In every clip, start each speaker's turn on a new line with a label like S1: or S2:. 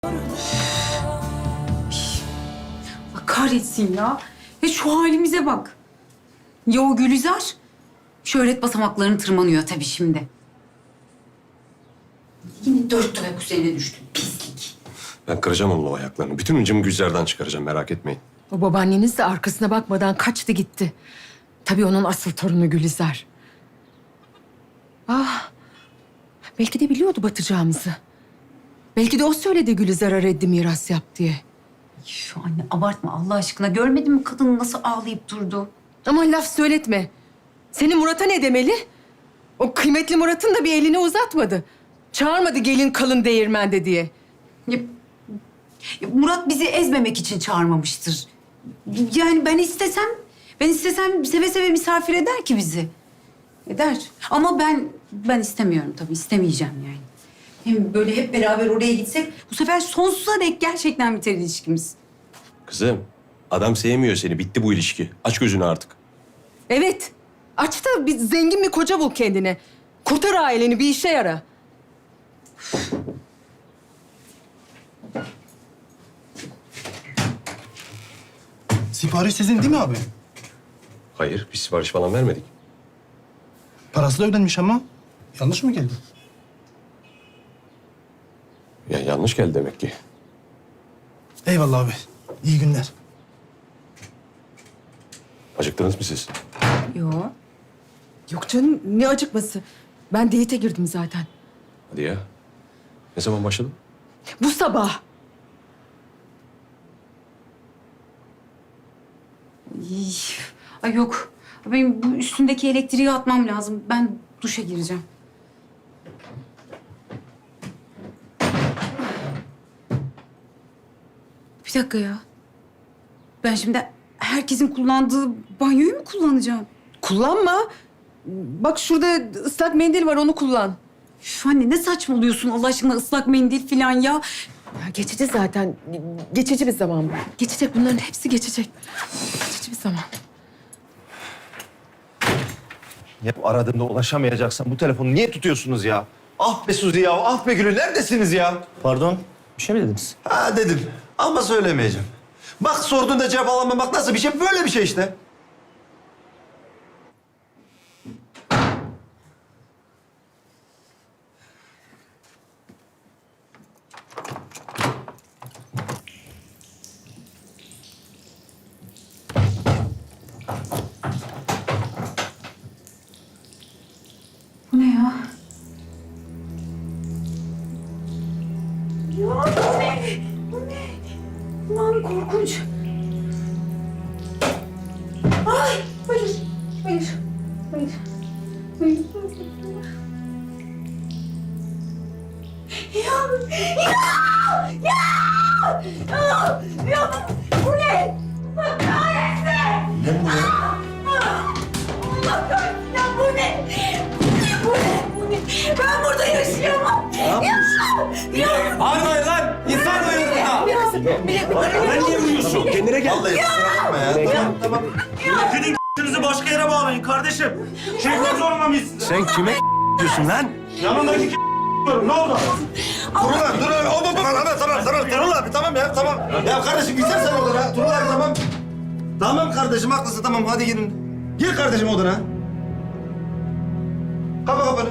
S1: Allah kahretsin ya. Ya şu halimize bak. Ya o Gülizar? Şöhret basamaklarını tırmanıyor tabii şimdi. Yine dört ayak üzerine düştü. Pislik.
S2: Ben kıracağım onun o ayaklarını. Bütün hıncımı Gülizar'dan çıkaracağım, merak etmeyin.
S3: O babaanneniz de arkasına bakmadan kaçtı gitti. Tabii onun asıl torunu Gülizar. Ah, belki de biliyordu batacağımızı. Belki de o söyledi Gülizar'a reddi miras yap diye.
S1: Şu anne abartma Allah aşkına. Görmedin mi kadın nasıl ağlayıp durdu?
S3: Ama laf söyletme. Senin Murat'a ne demeli? O kıymetli Murat'ın da bir elini uzatmadı. Çağırmadı gelin kalın değirmende diye.
S1: Ya Murat bizi ezmemek için çağırmamıştır. Yani ben istesem seve seve misafir eder ki bizi. Eder. Ama ben istemiyorum tabii. İstemeyeceğim yani. Hem böyle hep beraber oraya gitsek bu sefer sonsuza dek gerçekten biter ilişkimiz.
S2: Kızım, adam sevmiyor seni. Bitti bu ilişki. Aç gözünü artık.
S3: Evet. Aç da bir zengin bir koca bul kendine. Kurtar aileni, bir işe yara.
S4: Sipariş sizin değil mi abi?
S2: Hayır, biz sipariş falan vermedik.
S4: Parası da ödenmiş ama. Yanlış mı geldi?
S2: Ya yanlış geldi demek ki.
S4: Eyvallah abi. İyi günler.
S2: Acıktınız mı siz?
S1: Yok.
S3: Yok canım, ne acıkması. Ben diyete girdim zaten.
S2: Hadi ya. Ne zaman başladın?
S3: Bu sabah.
S1: Ay yok. Benim bu üstündeki elektriği atmam lazım. Ben duşa gireceğim. Bir dakika ya. Ben şimdi herkesin kullandığı banyoyu mu kullanacağım?
S3: Kullanma. Bak şurada ıslak mendil var, onu kullan.
S1: Üf anne ne saçmalıyorsun Allah aşkına ıslak mendil falan ya.
S3: Ya geçici zaten. Geçici bir zaman bu. Geçecek, bunların hepsi geçecek. Geçici bir zaman.
S5: Ya aradığımda ulaşamayacaksan bu telefonu niye tutuyorsunuz ya? Ah be Suzi ya, ah be Gülü, neredesiniz ya?
S6: Pardon, bir şey mi dediniz?
S5: Ha dedim ama söylemeyeceğim. Bak sorduğunda cevap alamamak nasıl bir şey? Böyle bir şey işte.
S1: Bu ne ya? Ya bu ne? Bu ne? Aman korkunç. Ay hayır, hayır, hayır. Hayır. Ya bu ne? Allah kahretsin!
S5: Ne bu ya?
S1: Allah kahretsin ya bu ne? Bu ne? Ben burada yaşayamam.
S5: Bağırmayın lan! İnsan uyuyor
S6: Sen niye uyuyorsun? Kendine gel.
S5: Vallahi kusura bakma ya. Tamam, tamam.
S6: Gidin k***'ünüzü başka yere bağlayın kardeşim. Şevket zorunda mıyız?
S2: Sen kime diyorsun lan?
S6: Yanındaki diyorum. Ne oldu?
S5: Turul abi, dur abi. Tamam. Turul abi, tamam ya, tamam. Ya kardeşim gitsene sen odana. Turul abi, tamam. Tamam kardeşim, haklısın. Tamam, hadi girin. Gir kardeşim odana. Kapa kapanı.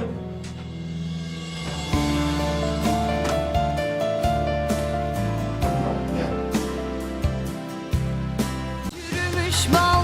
S7: Yürümüş bal